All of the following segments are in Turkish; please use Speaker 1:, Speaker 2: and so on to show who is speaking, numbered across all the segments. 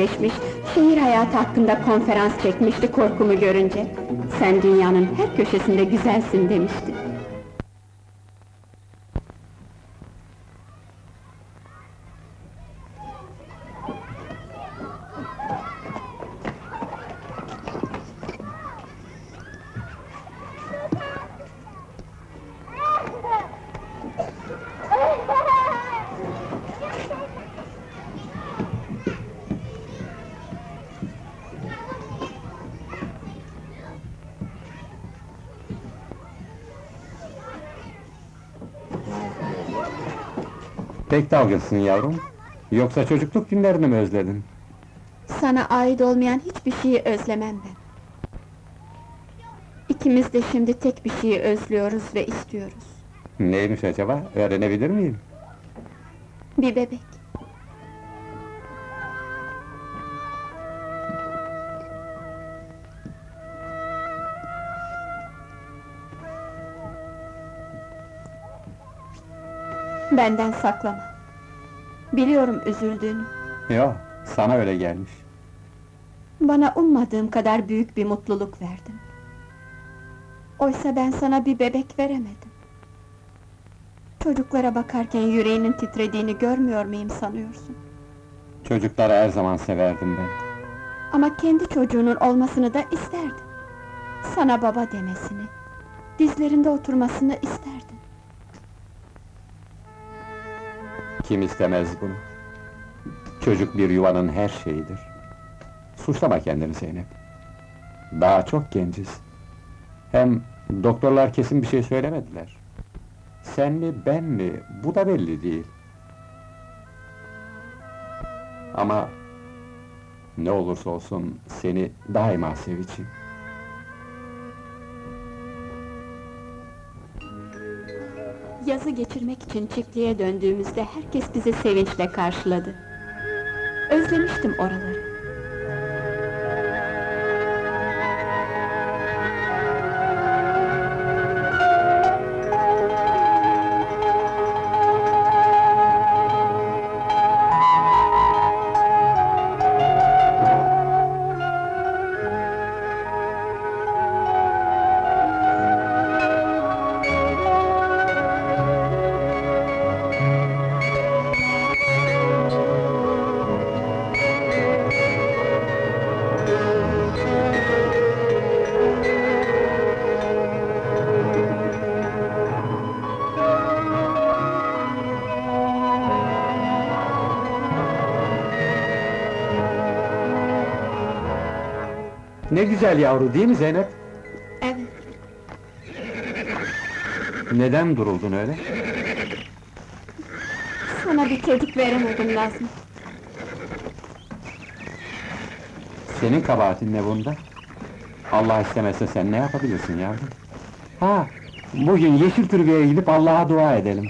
Speaker 1: geçmiş, şehir hayatı hakkında konferans çekmişti korkumu görünce. Sen dünyanın her köşesinde güzelsin demişti.
Speaker 2: Pek dalgınsın yavrum. Yoksa çocukluk günlerini mi özledin?
Speaker 1: Sana ait olmayan hiçbir şeyi özlemem ben. İkimiz de şimdi tek bir şeyi özlüyoruz ve istiyoruz.
Speaker 2: Neymiş acaba? Öğrenebilir miyim?
Speaker 1: Bir bebek. Benden saklama. Biliyorum üzüldüğünü.
Speaker 2: Yo, sana öyle gelmiş.
Speaker 1: Bana ummadığım kadar büyük bir mutluluk verdin. Oysa ben sana bir bebek veremedim. Çocuklara bakarken yüreğinin titrediğini görmüyor muyum sanıyorsun?
Speaker 2: Çocukları her zaman severdim ben.
Speaker 1: Ama kendi çocuğunun olmasını da isterdin. Sana baba demesini, dizlerinde oturmasını isterdin.
Speaker 2: Kim istemez bunu? Çocuk bir yuvanın her şeyidir. Suçlama kendini Zeynep. Daha çok genciz. Hem doktorlar kesin bir şey söylemediler. Sen mi, ben mi, bu da belli değil. Ama ne olursa olsun seni daima seveceğim.
Speaker 1: Yazı geçirmek için çiftliğe döndüğümüzde herkes bizi sevinçle karşıladı. Özlemiştim oraları.
Speaker 2: Ne güzel yavru değil mi Zeynep?
Speaker 1: Evet,
Speaker 2: Neden duruldun öyle?
Speaker 1: sana bir çocuk veremedim Nazmi.
Speaker 2: Senin kabahatin ne bunda? Allah istemezse sen ne yapabilirsin yavrum? Ha, bugün yeşil türbeye gidip Allah'a dua edelim.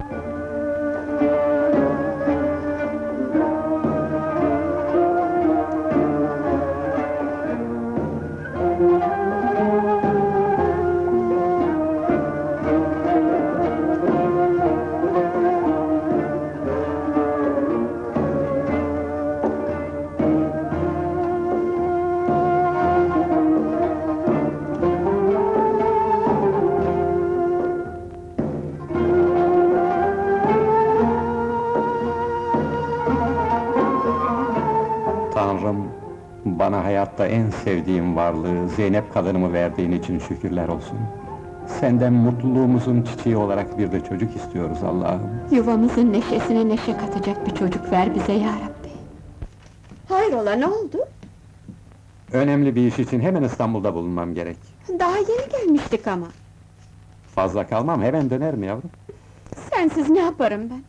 Speaker 2: Tanrım, bana hayatta en sevdiğim varlığı, Zeynep kadınımı verdiğin için şükürler olsun. Senden mutluluğumuzun çiçeği olarak bir de çocuk istiyoruz Allah'ım.
Speaker 1: Yuvamızın neşesine neşe katacak bir çocuk ver bize ya Rabbi. Hayrola, ne oldu?
Speaker 2: Önemli bir iş için hemen İstanbul'da bulunmam gerek.
Speaker 1: Daha yeni gelmiştik ama.
Speaker 2: Fazla kalmam, hemen dönerim yavrum.
Speaker 1: Sensiz ne yaparım ben?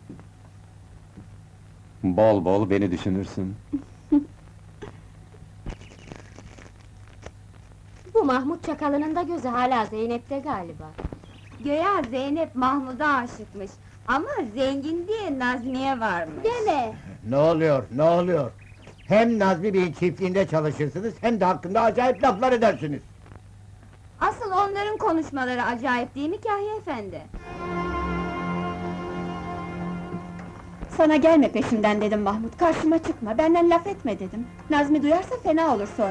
Speaker 2: Bol bol beni düşünürsün.
Speaker 3: Bu Mahmut Çakalı'nın da gözü hala Zeynep'te galiba.
Speaker 4: Göya Zeynep Mahmud'a aşıkmış. Ama zengin diye Nazmiye varmış.
Speaker 3: Deme!
Speaker 5: Ne oluyor, ne oluyor? Hem Nazmi Bey'in çiftliğinde çalışırsınız, hem de hakkında acayip laflar edersiniz.
Speaker 4: Asıl onların konuşmaları acayip değil mi Kahya efendi?
Speaker 1: Sana gelme peşimden dedim Mahmut, karşıma çıkma, benden laf etme dedim. Nazmi duyarsa fena olur sonra.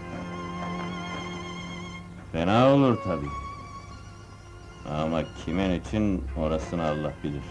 Speaker 6: Fena olur tabii. Ama kimin için orasını Allah bilir.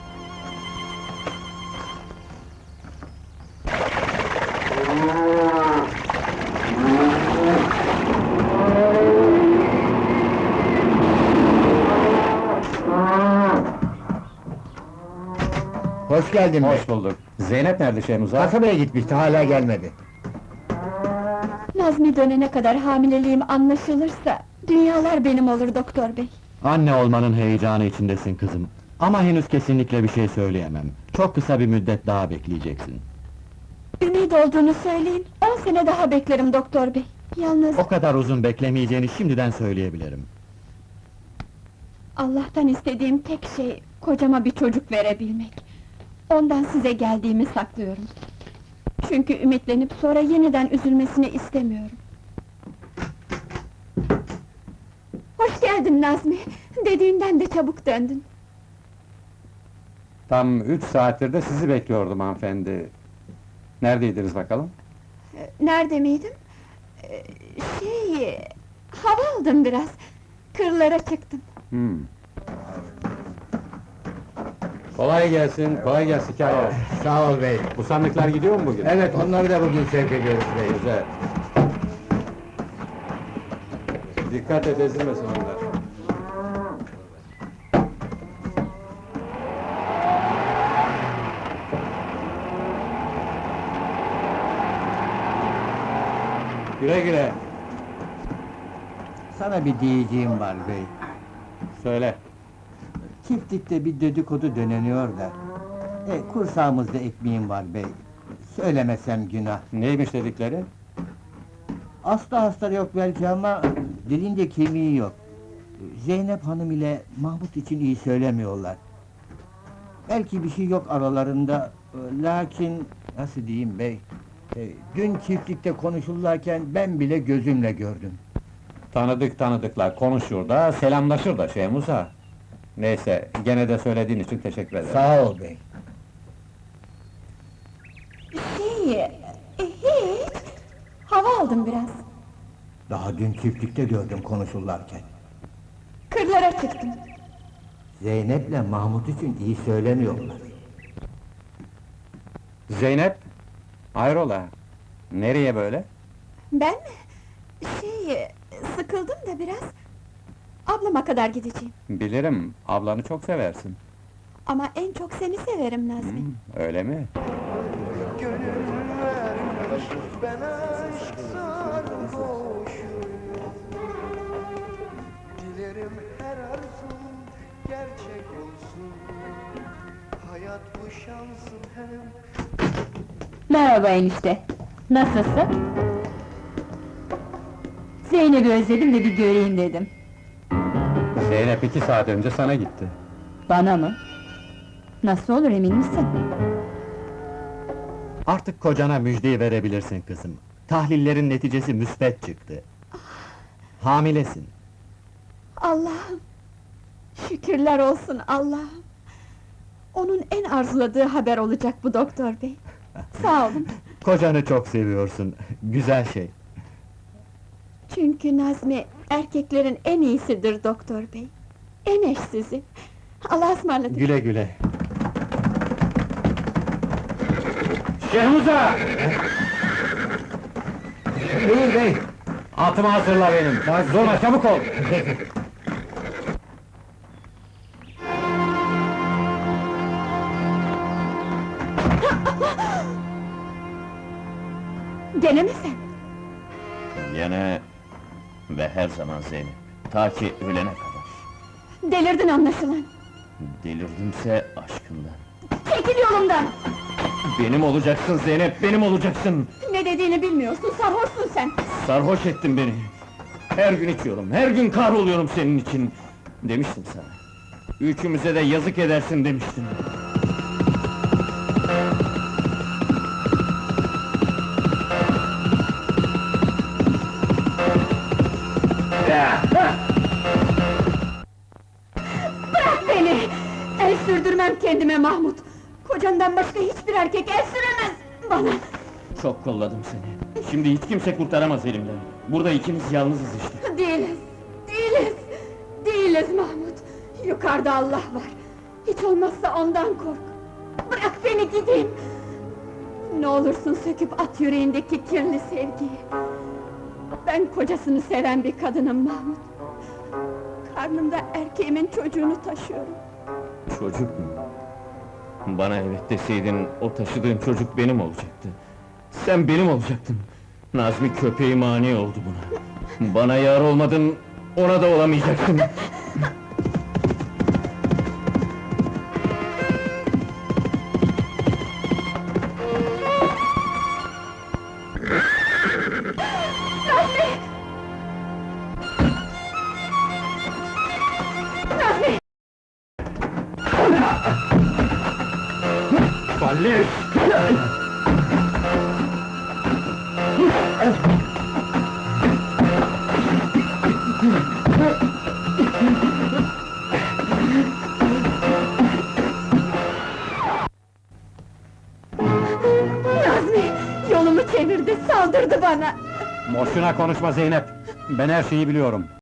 Speaker 5: Hoş geldin bey.
Speaker 2: Hoş bulduk. Zeynep nerede Şehmuz'a?
Speaker 5: Kasabaya gitmişti, hala gelmedi.
Speaker 1: Nazmi dönene kadar hamileliğim anlaşılırsa... ...dünyalar benim olur doktor bey.
Speaker 7: Anne olmanın heyecanı içindesin kızım. Ama henüz kesinlikle bir şey söyleyemem. Çok kısa bir müddet daha bekleyeceksin.
Speaker 1: Ümit olduğunu söyleyin, 10 sene daha beklerim doktor bey. Yalnız
Speaker 7: O kadar uzun beklemeyeceğini şimdiden söyleyebilirim.
Speaker 1: Allah'tan istediğim tek şey... ...kocama bir çocuk verebilmek. Ondan size geldiğimi saklıyorum. Çünkü ümitlenip sonra yeniden üzülmesini istemiyorum. Hoş geldin Nazmi! Dediğinden de çabuk döndün.
Speaker 2: Tam 3 saattir de sizi bekliyordum hanımefendi. Neredeydiniz bakalım?
Speaker 1: Nerede miydim? Hava aldım biraz. Kırlara çıktım.
Speaker 2: Kolay gelsin, kolay gelsin hikaye.
Speaker 5: Sağ ol bey.
Speaker 2: Bu sandıklar gidiyor mu bugün?
Speaker 5: Evet, onları da bugün sevk ediyoruz bey.
Speaker 2: Güzel. Dikkat et, ezilmesin onlar. Güle güle.
Speaker 5: Sana bir diyeceğim var bey.
Speaker 2: Söyle.
Speaker 5: Çiftlikte bir dedikodu döneniyor da... kursağımızda ekmeğim var bey. Söylemesem günah.
Speaker 2: Neymiş dedikleri?
Speaker 5: Hasta yok belki ama... ...dilinde kemiği yok. Zeynep Hanım ile Mahmut için iyi söylemiyorlar. Belki bir şey yok aralarında... Lakin... Nasıl diyeyim bey? Dün çiftlikte konuşurlarken ben bile gözümle gördüm.
Speaker 2: Tanıdıklar konuşur da, selamlaşır da Şehmuz'a. Neyse, gene de söylediğin için teşekkür ederim.
Speaker 5: Sağ ol bey.
Speaker 1: Hiç! Hava aldım biraz.
Speaker 5: Daha dün çiftlikte gördüm konuşurlarken.
Speaker 1: Kırlara çıktım.
Speaker 5: Zeynep'le Mahmut için iyi söylemiyorlar.
Speaker 2: Zeynep, hayrola? Nereye böyle?
Speaker 1: Ben mi? Sıkıldım da biraz. Ablama kadar gideceğim.
Speaker 2: Bilirim, ablanı çok seversin.
Speaker 1: Ama en çok seni severim Nazmi.
Speaker 2: Öyle mi?
Speaker 8: Gönül vermiş, ben aşk sarhoşuyum. Dilerim her arzum gerçek olsun. Hayat bu şansın hem...
Speaker 4: Merhaba enişte. Nasılsın? Zeynep'i özledim de bir göreyim dedim.
Speaker 2: Zeynep 2 saat önce sana gitti.
Speaker 4: Bana mı? Nasıl olur emin misin?
Speaker 7: Artık kocana müjdeyi verebilirsin kızım. Tahlillerin neticesi müsbet çıktı. Hamilesin.
Speaker 1: Allah'ım! Şükürler olsun Allah'ım! Onun en arzuladığı haber olacak bu doktor bey. Sağ olun.
Speaker 7: Kocanı çok seviyorsun. Güzel şey.
Speaker 1: Çünkü Nazmi erkeklerin en iyisidir doktor bey. En eşsizi. Allah'a ısmarladık.
Speaker 7: Güle güle.
Speaker 2: Şehmuz'a!
Speaker 5: Buyur bey.
Speaker 2: Atımı hazırla benim. Durma, çabuk ol!
Speaker 1: Gene mi sen?
Speaker 6: Yine ve her zaman Zeynep. Ta ki ölene kadar.
Speaker 1: Delirdin anlaşılan.
Speaker 6: Delirdimse aşkından.
Speaker 1: Çekil yolumdan!
Speaker 6: Benim olacaksın Zeynep, benim olacaksın!
Speaker 1: Ne dediğini bilmiyorsun, sarhoşsun sen!
Speaker 6: Sarhoş ettin beni! Her gün içiyorum, her gün kahroluyorum senin için! Demiştim sana. Üçümüze de yazık edersin demiştim.
Speaker 1: Bırak beni! El sürdürmem kendime Mahmut! Kocandan başka hiçbir erkek el süremez bana!
Speaker 6: Çok kolladım seni. Şimdi hiç kimse kurtaramaz elimden. Burada ikimiz yalnızız işte.
Speaker 1: Değiliz, değiliz! Değiliz Mahmut! Yukarıda Allah var! Hiç olmazsa ondan kork! Bırak beni gideyim! Ne olursun söküp at yüreğindeki kirli sevgiyi! Ben kocasını seven bir kadınım Mahmut! Karnımda erkeğimin çocuğunu taşıyorum!
Speaker 6: Çocuk mu? Bana evet deseydin, o taşıdığın çocuk benim olacaktı. Sen benim olacaktın. Nazmi köpeği mani oldu buna. Bana yar olmadın, ona da olamayacaktın. Salih!
Speaker 1: Nazmi! Yolumu çevirdi, saldırdı bana!
Speaker 2: Boşuna konuşma Zeynep! Ben her şeyi biliyorum.